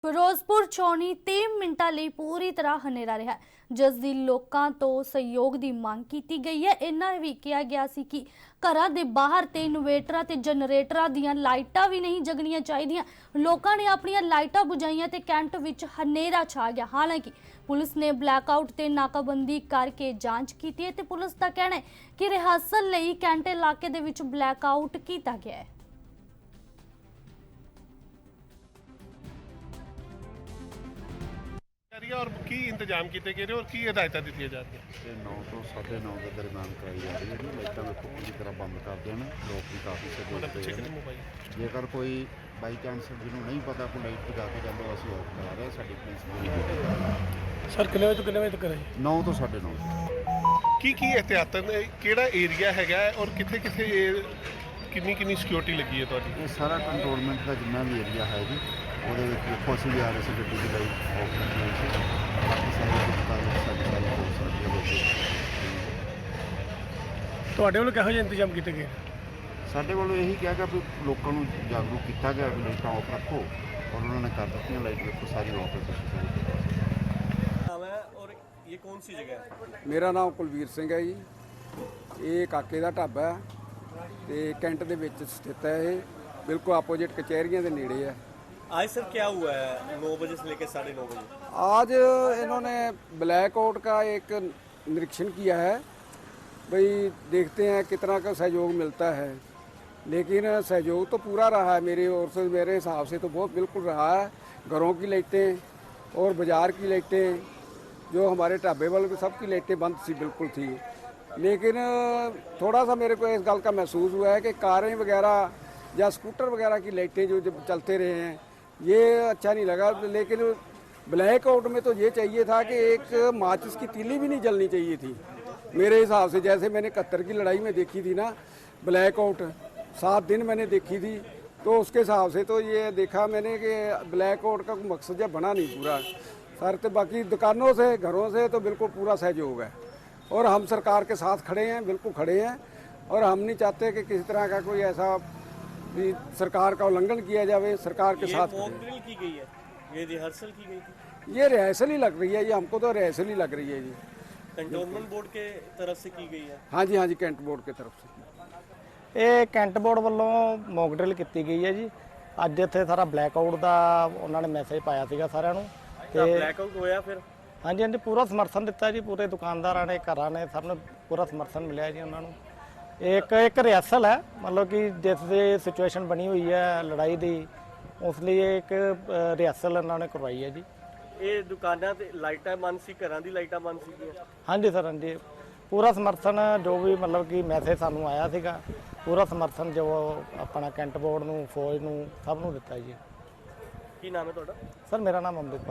ਫਿਰੋਜ਼ਪੁਰ ਚੌਣੀ 3 ਮਿੰਟਾਂ ਲਈ ਪੂਰੀ ਤਰ੍ਹਾਂ ਹਨੇਰਾ ਰਿਹਾ, ਜਿਸ ਦੀ ਲੋਕਾਂ ਤੋਂ ਸਹਿਯੋਗ ਦੀ ਮੰਗ ਕੀਤੀ ਗਈ ਹੈ। ਇਹਨਾਂ ਵੀ ਕਿਹਾ ਗਿਆ ਸੀ ਕਿ ਘਰਾਂ ਦੇ ਬਾਹਰ ਤੇ ਇਨਵੇਟਰਾਂ ਤੇ ਜਨਰੇਟਰਾਂ ਦੀਆਂ ਲਾਈਟਾਂ ਵੀ ਨਹੀਂ ਜਗਣੀਆਂ ਚਾਹੀਦੀਆਂ। ਲੋਕਾਂ ਨੇ ਆਪਣੀਆਂ ਲਾਈਟਾਂ ਬੁਝਾਈਆਂ ਤੇ ਕੈਂਟ ਵਿੱਚ ਹਨੇਰਾ ਛਾ ਗਿਆ। ਹਾਲਾਂਕਿ ਪੁਲਿਸ ਨੇ ਬਲੈਕਆਊਟ ਤੇ ਨਾਕਾਬੰਦੀ ਕਰਕੇ ਜਾਂਚ ਕੀਤੀ ਹੈ ਤੇ ਪੁਲਿਸ ਦਾ ਕਹਿਣਾ ਹੈ ਕਿ ਰਿਹਰਸਲ ਲਈ ਕੈਂਟ ਇਲਾਕੇ ਦੇ ਵਿੱਚ ਬਲੈਕਆਊਟ ਕੀਤਾ ਗਿਆ ਹੈ। और की इंतजाम किए गए और की हिदायत दी जा रही है? 9 ਤੋਂ 9:30 के दरम्यान कराई जा रही है। लाइटा वेखो पूरी तरह बंद कर देना, लोग भी काफ़ी सहयोग दे रहे हैं। जेकर कोई बाई चांस जिन्होंने नहीं पता कोई लाइट जगा के जाता असं ऑफ करा रहे साड़ी पुलिस पूरी। सर कितने बजे तो कितने बजे तक है? 9 ਤੋਂ 9:30। की एहतियातन किहड़ा एरिया है और किथे किथे किन्नी सिक्योरिटी लगी है तुहाडी? ये सारा कंट्रोलमेंट का जिन्ना भी एरिया है जी ਉਹਦੇ ਵਿੱਚ ਦੇਖੋ ਅਸੀਂ ਵੀ ਆ ਰਹੇ ਸੀ ਗੱਡੀ ਦੀ ਲਾਈਟ ਆਫ ਕੀਤੀ ਹੋਈ ਸੀ। ਬਾਕੀ ਸਾਰੇ ਦੁਕਾਨਾਂ ਸਾਡੀ ਸਾਰੀ ਪੁਲਿਸ ਰੱਖੀ ਹੋਈ ਤੁਹਾਡੇ ਵੱਲੋਂ ਕਿਹੋ ਜਿਹੇ ਇੰਤਜ਼ਾਮ ਕੀਤੇ ਗਏ? ਸਾਡੇ ਵੱਲੋਂ ਇਹੀ ਕਿਹਾ ਗਿਆ ਵੀ ਲੋਕਾਂ ਨੂੰ ਜਾਗਰੂਕ ਕੀਤਾ ਗਿਆ ਵੀ ਲਾਈਟਾਂ ਆਫ ਰੱਖੋ ਔਰ ਉਹਨਾਂ ਨੇ ਕਰ ਦਿੱਤੀਆਂ। ਲਾਈਟ ਦੇਖੋ ਸਾਰੀ ਆਫ नाम है और ये कौन सी जगह है? ਮੇਰਾ ਨਾਮ ਕੁਲਵੀਰ ਸਿੰਘ ਹੈ ਜੀ। ਇਹ ਕਾਕੇ ਦਾ ਢਾਬਾ ਹੈ ਤੇ ਕੈਂਟ ਦੇ ਵਿੱਚ ਸਥਿਤ ਹੈ। ਇਹ ਬਿਲਕੁਲ ਆਪੋजिट ਕਚਹਿਰੀਆਂ ਦੇ ਨੇੜੇ ਹੈ। आज सर क्या हुआ है 9 बजे से लेकर 9:30 बजे? आज इन्होंने ब्लैकआउट का एक निरीक्षण किया है, भाई देखते हैं कितना का सहयोग मिलता है। लेकिन सहयोग तो पूरा रहा है मेरी ओर से, मेरे हिसाब से तो बहुत बिल्कुल रहा है। घरों की लाइटें और बाज़ार की लाइटें, जो हमारे ढाबे वालों की सबकी लाइटें बंद सी बिल्कुल थी। लेकिन थोड़ा सा मेरे को इस गल का महसूस हुआ है कि कारें वगैरह या स्कूटर वगैरह की लाइटें जो जब चलते रहे हैं ये अच्छा नहीं लगा। लेकिन ब्लैकआउट में तो ये चाहिए था कि एक माचिस की तीली भी नहीं जलनी चाहिए थी मेरे हिसाब से। जैसे मैंने 71 की लड़ाई में देखी थी ना ब्लैकआउट, 7 दिन मैंने देखी थी, तो उसके हिसाब से तो ये देखा मैंने कि ब्लैकआउट का मकसद जब बना नहीं पूरा सर। तो बाकी दुकानों से घरों से तो बिल्कुल पूरा सहयोग है और हम सरकार के साथ खड़े हैं, बिल्कुल खड़े हैं। और हम नहीं चाहते कि किसी तरह का कोई ऐसा भी सरकार का उल्लंघन किया जाए। सरकार के साथ मॉक ड्रिल की गई है, ये रिहर्सल की गई थी? ये रिहर्सल ही लग रही है, ये हमको तो रिहर्सल ही लग रही है जी। कंटोनमेंट बोर्ड के तरफ से की गई है? हाँ जी कैंट बोर्ड की तरफ से। ਇਹ ਕੈਂਟ ਬੋਰਡ ਵੱਲੋਂ ਮੌਕ ਡਰਿਲ ਕੀਤੀ ਗਈ ਹੈ ਜੀ। ਅੱਜ ਇੱਥੇ ਸਾਰਾ ਬਲੈਕਆਊਟ ਦਾ ਉਹਨਾਂ ਨੇ ਮੈਸੇਜ ਪਾਇਆ ਸੀਗਾ ਸਾਰਿਆਂ ਨੂੰ क्या ब्लैकआउट होया फिर? ਹਾਂਜੀ ਹਾਂਜੀ ਪੂਰਾ ਸਮਰਥਨ ਦਿੱਤਾ ਜੀ। ਪੂਰੇ ਦੁਕਾਨਦਾਰਾਂ ਨੇ, ਘਰਾਂ ਨੇ, ਸਭ ਨੂੰ ਪੂਰਾ ਸਮਰਥਨ ਮਿਲਿਆ ਜੀ ਉਹਨਾਂ ਨੂੰ। ਇੱਕ ਰਿਹਰਸਲ ਹੈ, ਮਤਲਬ ਕਿ ਜਿਸ ਦੀ ਸਿਚੁਏਸ਼ਨ ਬਣੀ ਹੋਈ ਹੈ ਲੜਾਈ ਦੀ, ਉਸ ਲਈ ਇੱਕ ਰਿਹਰਸਲ ਇਹਨਾਂ ਨੇ ਕਰਵਾਈ ਹੈ ਜੀ। ਇਹ ਦੁਕਾਨਾਂ ਤੇ ਲਾਈਟਾਂ ਬੰਦ ਸੀ, ਘਰਾਂ ਦੀ ਲਾਈਟਾਂ ਬੰਦ ਸੀਗੀਆਂ? ਹਾਂਜੀ ਸਰ, ਹਾਂਜੀ ਪੂਰਾ ਸਮਰਥਨ, ਜੋ ਵੀ ਮਤਲਬ ਕਿ ਮੈਸੇਜ ਸਾਨੂੰ ਆਇਆ ਸੀਗਾ, ਪੂਰਾ ਸਮਰਥਨ ਜੋ ਆਪਣਾ ਕੈਂਟ ਬੋਰਡ ਨੂੰ, ਫੌਜ ਨੂੰ, ਸਭ ਨੂੰ ਦਿੱਤਾ ਜੀ। ਕੀ ਨਾਮ ਹੈ ਤੁਹਾਡਾ? ਸਰ ਮੇਰਾ ਨਾਮ ਅੰਮ੍ਰਿਤਪਾਲ।